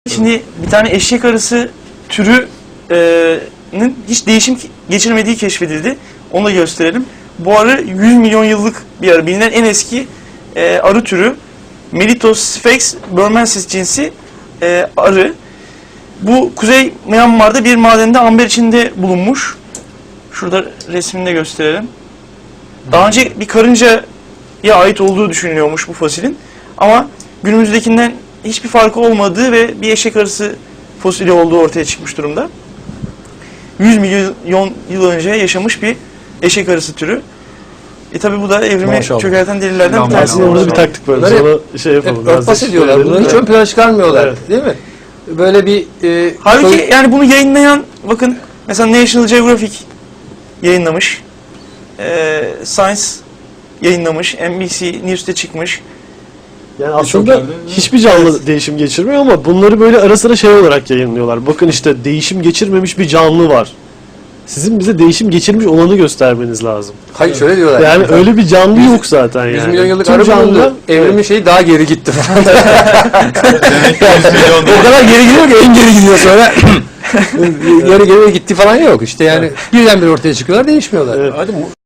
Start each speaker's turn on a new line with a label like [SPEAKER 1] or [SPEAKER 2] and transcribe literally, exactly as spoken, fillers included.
[SPEAKER 1] Şimdi bir tane eşek arısı türünün hiç değişim geçirmediği keşfedildi. Onu da gösterelim. Bu arı yüz milyon yıllık bir arı. Bilinen en eski e, arı türü. Melitos sphex burmensis cinsi e, arı. Bu Kuzey Myanmar'da bir madende amber içinde bulunmuş. Şurada resmini de gösterelim. Daha önce bir karıncaya ait olduğu düşünülüyormuş bu fosilin. Ama günümüzdekinden hiçbir farkı olmadığı ve bir eşek arısı fosili olduğu ortaya çıkmış durumda. yüz milyon yıl önce yaşamış bir eşek arısı türü. E tabi bu da evrimi
[SPEAKER 2] Maşallah.
[SPEAKER 1] çökerten delillerden bir tanesi.
[SPEAKER 3] Aslında burada bir taktik var.
[SPEAKER 2] Bunları
[SPEAKER 3] Sonra şey yapalım.
[SPEAKER 2] Hep örtbas ediyorlar. Bunları hiç ön plana çıkarmıyorlar.
[SPEAKER 3] Evet.
[SPEAKER 2] Değil mi? Böyle bir... E,
[SPEAKER 1] Halbuki
[SPEAKER 2] soy-
[SPEAKER 1] yani bunu yayınlayan, bakın mesela National Geographic yayınlamış. E, Science yayınlamış. N B C News'te çıkmış.
[SPEAKER 3] Yani
[SPEAKER 2] Çok
[SPEAKER 3] aslında
[SPEAKER 2] yerde-
[SPEAKER 3] hiçbir canlı değişim geçirmiyor ama bunları böyle ara sıra şey olarak yayınlıyorlar. Bakın işte değişim geçirmemiş bir canlı var. Sizin bize değişim geçirmiş olanı göstermeniz lazım.
[SPEAKER 2] Hayır şöyle diyorlar.
[SPEAKER 3] Yani
[SPEAKER 2] Mesela
[SPEAKER 3] öyle bir canlı
[SPEAKER 2] yüz-
[SPEAKER 3] yok zaten yani.
[SPEAKER 2] yüz milyon yıllık
[SPEAKER 3] Tüm
[SPEAKER 2] arı
[SPEAKER 3] canlılar-
[SPEAKER 2] bulundu. Evrimin şeyi daha geri gitti falan.
[SPEAKER 4] Demek ki yüz milyon
[SPEAKER 2] O kadar geri gidiyor ki en geri gidiyor sonra. geri geri gitti falan yok. İşte yani birdenbire ortaya çıkıyorlar, değişmiyorlar.
[SPEAKER 3] Evet.
[SPEAKER 2] Hadi mu-